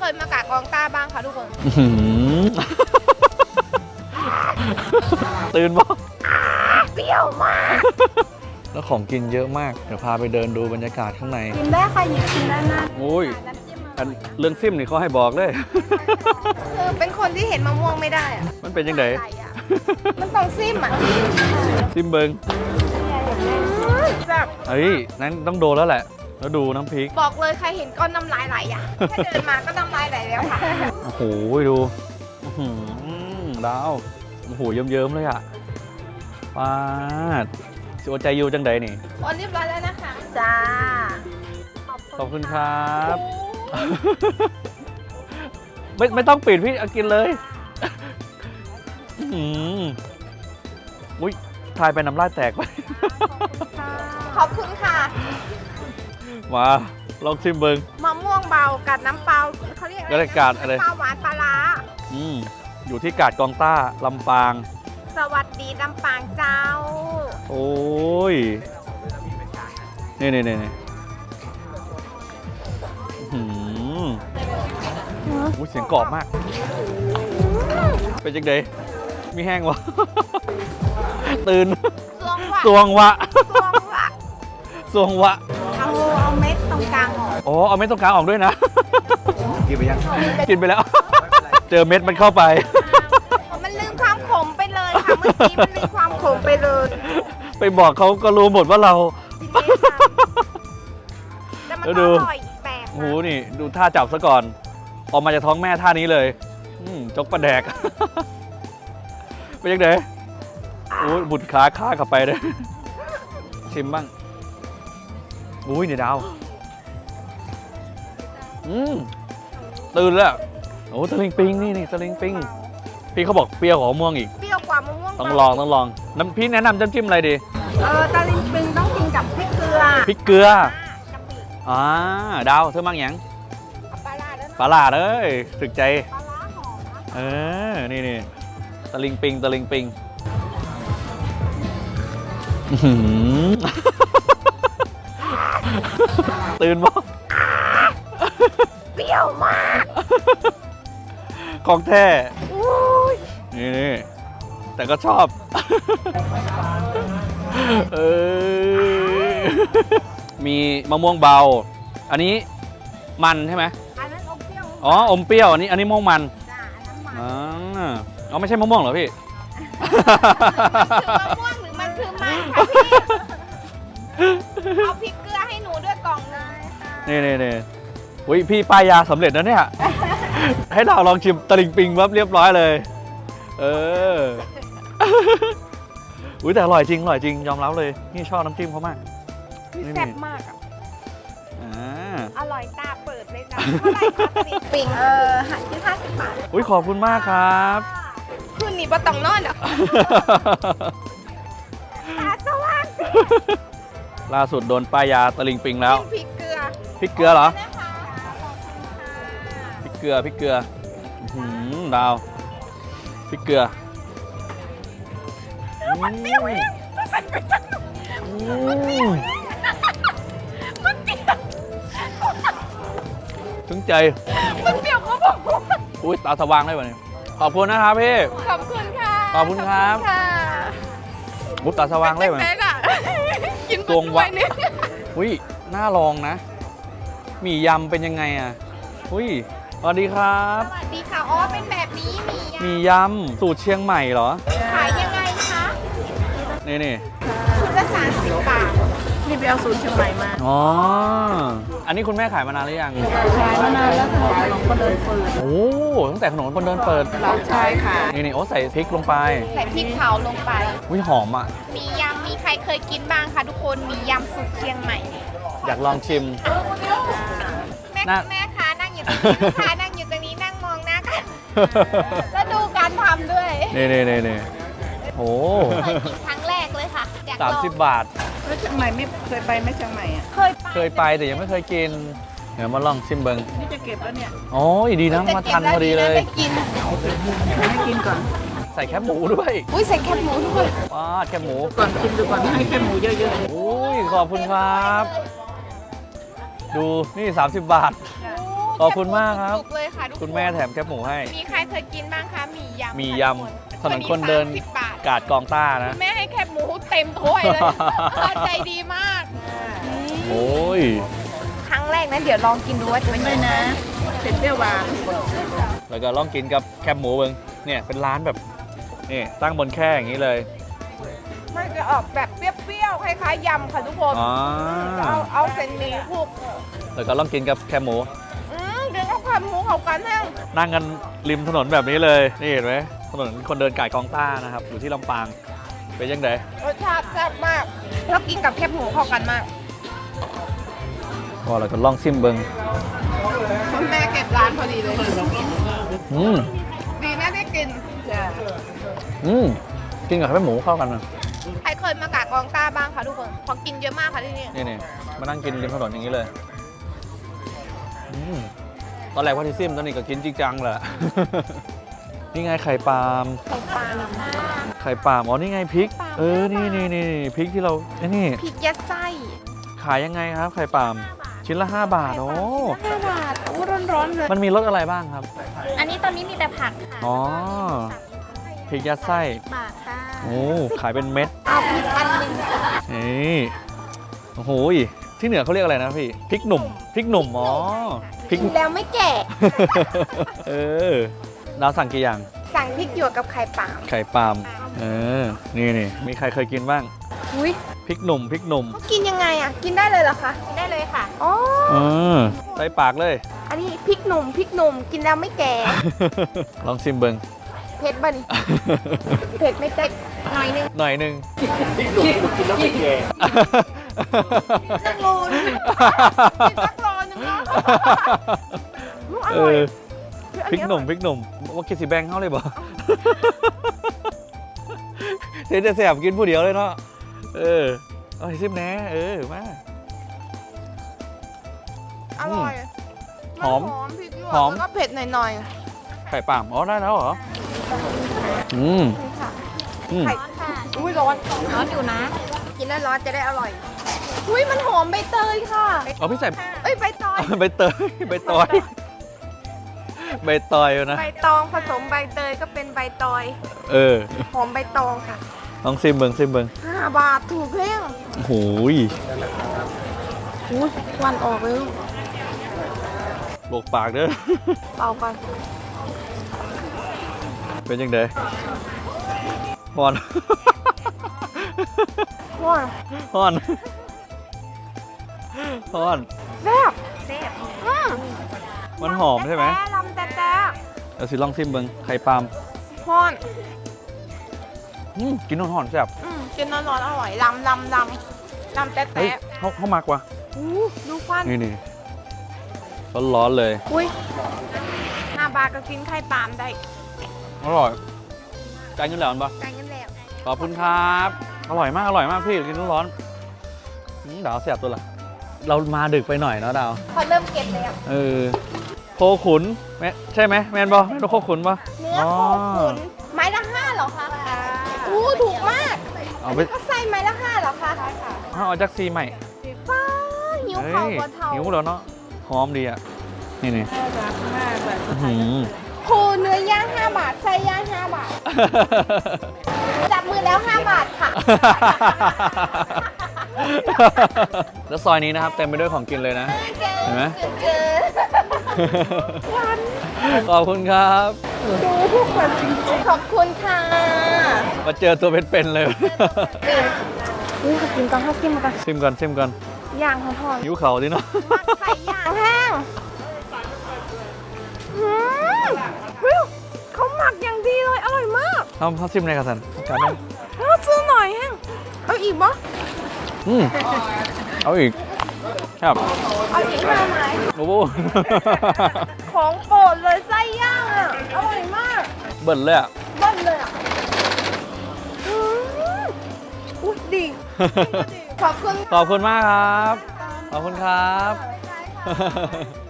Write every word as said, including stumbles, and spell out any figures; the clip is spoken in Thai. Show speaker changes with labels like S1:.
S1: ยมากะกองต้าบ้างคะทุกคน
S2: ตื่นบ้าง
S1: เปรี้ยวมาก
S2: แล้วของกินเยอะมากเดี๋ยวพาไปเดินดูบรรยากาศข้างใน
S1: กินได้ค่ะหยิบกินได้นะ
S2: โอ้ยเรื่องซิมนี่เขาให้บอกเลย
S1: คือเป็นคนที่เห็นมะม่วงไม่ได้อะ
S2: มันเป็นยังไง
S1: มันต้องซิมอ่ะ
S2: ซิมเบิง
S1: แบบ
S2: เฮ้ยนั้นต้องโดนแล้วแหละแล้วดูน้ำพริก
S1: บอกเลยใครเห็นก้อนน้ำลายไหลอ่ะแค่เดินมาก็น้ำลายไหลแล้วค่ะ
S2: โอ้โหดูดาวโอ้โหเยิ้มๆเลยอ่ะป้าดสิวใจยูจังใดนี่
S1: โอนเรียบร้อยแล้วนะคะจ้า
S2: ขอบคุณครับไม่ไม่ต้องปิดพี่กินเลยอุ้ยทายไปน้ำลายแตกไป
S1: ขอบคุณค่ะ
S2: มาลองชิมเบิง
S1: มะม่วงเบากัดน้ำเปล่าเขาเรียก
S2: อะไรกาดอะไร
S1: ปลาหวานปลาล้า
S2: อืมอยู่ที่กาดกองต้าลำปาง
S1: สวัสดีลำปางเจ้า
S2: โอ้ยนี่นี่นี่อืมอุ้ยเสียงกรอบมากเป็นจังไดมีแห้งวะตื่นสวงวะ
S1: สวงวะ
S2: สวงวะ
S1: เอาเอาเม็ดตรงกลางออก
S2: อ๋อเอาเม็ดตรงกลางออกด้วยนะกินไปยังกินไปแล้วเจอเม็ดมันเข้าไป
S1: มันลืมความขมไปเลยค่ะเมื่อกี้มันลืมความขมไปเลย
S2: ไปบอกเขาก็รู้หมดว่าเรา
S1: แต่มันอร่อยแปลก
S2: โอ้โหนี่ดูท่าจับซะก่อนออกมาจากท้องแม่ท่านี้เลยจกปลาแดกไปยังไงโอ้ยบุดขาขาขับไปเลยชิมบ้างอุ้ยเนี่ยดาวอืมตื่นแล้วโอ้ตะลิงปิงนี่นี่ตะลิงปิงพี่เขาบอกเปรี้ยวกว่ามะม่วงอีก
S1: เปรี้ยวกว่ามะม่วง
S2: ต้องลองต้องลองน้ำพี่แนะนำจิ้มจิ้มอะไรดี
S1: เออตะลิงปิงต้องกินกับพริกเกลือ
S2: พริกเกลืออ่าดาวเธอมั่งยัง
S1: ปลาลาด
S2: ปลาลาดเอ้ยถึกใจ
S1: ปลาลาหอม
S2: เออนี่นี่ตะลิงปิงตะลิงปิงตื่นบ่
S1: เปรี้ยวมาก
S2: ของแท้นี่นี่แต่ก็ชอบเออมีมะม่วงเบาอันนี้มันใช่ไหม
S1: อันนั้นอมเปรี้ยว
S2: อ๋ออมเปรี้ยวอันนี้อันนี้ม่วงมัน
S1: จ้าอันนั้นมัน
S2: อ๋ออ๋อไม่ใช่มะม่วงเหรอพี่
S1: มะม่วงหรือมันคือมันค่ะพี่เอาพริกเกลือให้หนูด้วยกล่องเลย
S2: นี่นี่นี่อุ้ยพี่ป้ายยาสำเร็จนะเนี่ยให้เราลองชิมตะลิงปิงวับเรียบร้อยเลยเอออุ้ยแต่อร่อยจริงอร่อยจริงยอมรับเลยนี่ชอบน้ำจิ้มเขามาก
S1: แซ่บมากอ่ะอร่อยตาเปิดเลยจ้ะเท่าไหร่คะตะลิงปิงเออหันที่ห้าสิบบาท
S2: อุ้ยขอบคุณมากครับ
S1: คืนนี้บ่ต้องนอนอ่ะตาสว่าง
S2: ล่าสุดโดนป้ายยาตะลิงปิงแล้ว
S1: พริกเกลือ
S2: พริกเกลือเหรอพริกเกลือพริกเกลือดาวพริกเกลือ
S1: มันเปรี้ยวเองมันสั่นไปจังมันเปรี้ยวมันเปรี้ยว
S2: ถึงใจ
S1: มันเปรี้ยวเขาบอก
S2: อุ้ยตาสว่างเลยวันนี้ขอบคุณนะครับพี่
S1: ขอบคุณค่ะ
S2: ขอบคุณครับมุตตาสว่างเลยวันนี้
S1: กิน
S2: ตวงวะอุ้ยน่าลองนะหมี่ยำเป็นยังไงอ่ะอุ้ยสวัสดีครับ
S1: สวัสดีค่ะอ๋อเป็นแบบนี้ห
S2: มี่ยำสูตรเชียงใหม่เหรอ
S1: ขายยังไงคะ
S2: นี่นี่
S1: ชุดละสามสิบบาทนี่ไปเอาสูตรเชียงใหม่มา
S2: อ๋ออันนี้คุณแม่ขายมานานหรือยัง
S1: ขายมานานแล้วขนมคนเดินเปิด
S2: โอ้ตั้งแต่ขนมคนเดินเปิด
S1: ใช่ค่ะ
S2: นี่นี่โอ้ใส่พริกลงไป
S1: ใส่พริกเผาลงไป
S2: อุ้ยหอมอ่ะ
S1: มียำมีใครเคยกินบ้างคะทุกคนมียำสูตรเชียงใหม่
S2: อยากลองชิม
S1: แม่แม่ค้านั่งอยู่ตรงนี้ลูกค้านั่งอยู่ตรงนี้นั่งมองหน้ากันแล้วดูการทำด้วย
S2: นี่นี่นี่นี่โอ้
S1: เคยกินครั้งแรกเลยค่ะ
S2: สามสิบบาท
S1: แล้วเชียงใหม่ไม่เคยไปไหมเชียงใหม่อ่ะเคย
S2: เคยไปแต่ยังไม่เคยกินเดี๋ยวมาลองชิมเบิ้ง
S1: นี่จะเก็บแล้วเนี่ย
S2: โอ้ยดีนะมาทันพอดีเลย
S1: กินให้กินก่อน
S2: ใส่แคบหมูด้วย
S1: อุ้ยใส่แคบหมูด้วย
S2: ว้าแคบหมู
S1: ก่อนชิมดูก่อนให้แคบหมูเยอะ
S2: ๆอุ้ยขอบคุณครับดูนี่สามสิบบาท
S1: โ
S2: ขอบคุณมากครับ
S1: จุกๆเลยค่ะทุกน
S2: คุณแม่แถมแคบหมูให้
S1: มีใครเคยกินบ้างคะหมี่ยำ
S2: มี
S1: ค่ะ
S2: ย
S1: ทุก
S2: ำถนนคนเดิน
S1: วัสิบบาท
S2: กาดกองต้านะ
S1: คุณแม่ให้แคบหมูเต็มถ้วยเลย ใจดีมาก
S2: โอ้ย
S1: ครั้งแรกนั้นเดี๋ยวลองกินดูว่าจะเป็นยังไงนะเผ็ดเปรี้ยวหวาน
S2: แล้วก็ลองกินกับแคบหมูเบิงเนี่ยเป็นร้านแบบนี่ตั้งบนแค่อย่างนี้เลย
S1: มันจะออกแบบเปรี้ยวๆคล้ายๆยำค่ะทุกคน
S2: อ๋อ
S1: เอาเอาเส้นหมี่คลุก
S2: แล้วก็ลองกินกับแคบหมู
S1: อืมเดี๋ยวเอาแคบหมูเข้ากันแห้ง
S2: นั่งกันริมถนนแบบนี้เลย นี่เห็นไหมถนนคนเดินกาดกองต้านะครับ อยู่ที่ลำปาง เป็นยังไง
S1: รสชาติแซ่บมาก แล้วกินกับแคบหมูเข้ากันมาก
S2: ก็เราก็ลองซิมเบิง
S1: คุณแม่เก็บร้านพอดีเลย
S2: อืม
S1: ดีนะได้กิน
S2: อืมกินกับแคบหมูเข้ากันนะ
S1: ใครเคยมากากองต้าบ้างคะทุกคนพอกินเยอะมากค่ะที่นี่
S2: นี่นี่มานั่งกินริมถนนอย่างนี้เลยอืมตอนแรกว่าที่ซิมตอนนี้ก็กินจริงจังแหละ นี่ไงไข่ปาล์ม
S1: ไข่ปลา
S2: ไข่ปาล์มอ๋อนี่ไงพริก เออ นี่นี่นี่พริกที่เราไอ้นี่
S1: พริกยัดไส้
S2: ขายยังไงครับ ไข่ปาล์มชิ้นละห้าบาท โอ้
S1: ห้าบาทโอ้ร้อนๆเลย
S2: มันมีรสอะไรบ้างครับ
S3: อันนี้ตอนนี้มีแต่ผักค่ะ
S2: อ๋อ พริกยัดไส้
S3: บาทค่ะ
S2: โอ้ ขายเป็นเม็ด
S1: เอาพริกอันหนึ่ง
S2: นี่โอ้โหยที่เหนือเขาเรียกอะไรนะพี่ พริกหนุ่ม พริกหนุ่ม อ๋อ พริก
S1: กินแล้วไม่แก่
S2: เออ ดาวสั่งกี่อย่าง
S1: สั่งพริกหยวกกับไข่ปลา
S2: ไข่ปาล์ม เออ นี่นี่มีใครเคยกินบ้าง
S1: อุ้ย
S2: พริกหนุ่ม พริกหนุ่ม
S1: เขากินยังไงอ่ะ กินได้เลยเหรอคะ
S3: กินได้เลยค่ะ
S1: อ๋อ
S2: เออใส่ปากเลย
S1: อันนี้พริกหนุ่มพริกหนุ่มกินแล้วไม่แก่
S2: ลองซิมเบิง
S1: เผ็ดบ่นี่ เผ็ดไม่เจ็ดหน่อยนึง
S2: หน่อยหนึ่ง
S1: สักโลนึงกินสักโลนึงเนาะลูกอ
S2: เอ
S1: ร่อย
S2: อพริกหนุ่มพริกหนุ่มว่ากินสีแบงเข้าเลยบ่ เดี๋ยวจะแสบกินผู้เดียวเลยเนาะเออเอาให้ซิมแหน่เออมา
S1: อร่อย
S2: หอม
S1: นหอมพริกหยวก
S2: หอม
S1: แล้วก็เผ็ดหน่อย
S2: ไข่ปาล์มอ๋อได้แล้วเหรออืม
S1: ๆนี่ค่ะ
S2: อืม
S1: ไข่
S3: ร้อนค่ะ
S1: อุ้ยร้อน
S3: ร้อนอยู่นะ
S1: กินแล้วร้อนจะได้อร่อย อุ้ยมันหอมใบเตยค่ะ
S2: เอาพี่ใส่
S1: เอ้ยใบตอย
S2: ใบเตยใบตอยใบตอยนะ
S1: ใบตองผสมใบเตยก็เป็นใบตอย
S2: เออ
S1: หอมใบตองค่ะ
S2: ลองซิมเบิงซิมเบิง
S1: ห้าบาทถูกเพียง
S2: โอ้โหย
S1: อุ้ยควันออกเลยลูก
S2: โบกปากเด้อ
S1: เป่ากัน
S2: เป็นยังไงฮอน
S1: ว้า
S2: ฮอนฮอน
S1: แซ่บแซ่บอืม
S2: มันหอมใช่ไหม
S1: แต่ลำแต่แต่
S2: เดี๋ยวสิลองซิมเบิงไข่ปาล์ม
S1: ฮ้อน
S2: อืมกินหอนๆแซ่บ
S1: อืมกินร้อนๆอร่อยลำลำลำลำแต่
S2: เฮ้ย
S1: แต่
S2: เขาเขามากว่ะ
S1: อู้ดูควัน
S2: นี่นี่ร้อนๆเลย
S1: อุ้ยห้าบาทก็กินไข่ปาล์มได้
S2: อร่อยจ่ายเงินแล้วปะ
S1: ได้เงินแล้ว
S2: ขอบคุณครับ อร่อยมาก อร่อยมากพี่กินร้อนๆอืมดาวแสบตัวละเรามาดึกไปหน่อยเนาะดาว
S1: พอเริ่มเก็บแล้ว
S2: เออ โคขุนแม่ใช่ไหมแมนบอแมนโคขุนปะ
S1: เนื้อโคขุนไม้ละห้าเหรอคะอู้ถูกมาก
S2: เอาไป
S1: ก็ใส่ไม้ละห้าเหรอคะใช่ค่ะ
S2: เอาจากซีใหม่
S1: ฟ้าหิว
S2: เฮ้
S1: เข่าย บนเทา
S2: หิวแล้วเนาะหอมดีอ่ะ นี่นี่อื้อหือ
S1: โคเนื้อย่างห้าบาทไส้ย่างห้าบาท จับมือแล้วห้าบาทค่ะ
S2: แล้วซอยนี้นะครับเต็มไปด้วยของกินเลยนะ เห็นไหม
S1: เจอ
S2: ขอบคุณครับ
S1: ดูทุกคนจริงๆขอบคุณค่ะ
S2: มาเจอตัวเป็นๆเลย
S1: นี่ขอบคุณก่อนข้าวซิมก่อน
S2: ซิมก่อนซิมก่อน
S1: ย่างหอม
S2: หิวเข่าดิเนาะ
S1: ๆมักใส่ย่างแห้งอืมเฮ้ยเขาหมักอย่างดีเลย อร่อยมาก
S2: ทำข้าวซิมในกระสันกันนะ
S1: แล้วซื้อหน่อยแห้งเอาอีกบ่
S2: อืมเอาอีกครับ
S1: เอาอีกมาไหม
S2: โอ้โห
S1: ของโปรดเลยไส้ย่างอ่ะ อร่อยมาก
S2: เบิ่นเลยอ่ะ
S1: เบิ้ลเลยอ่ะอืมอุ๊ยดี ขอบคุณ
S2: ขอบคุณมากครับ ขอบคุณครับ
S1: ค่ะ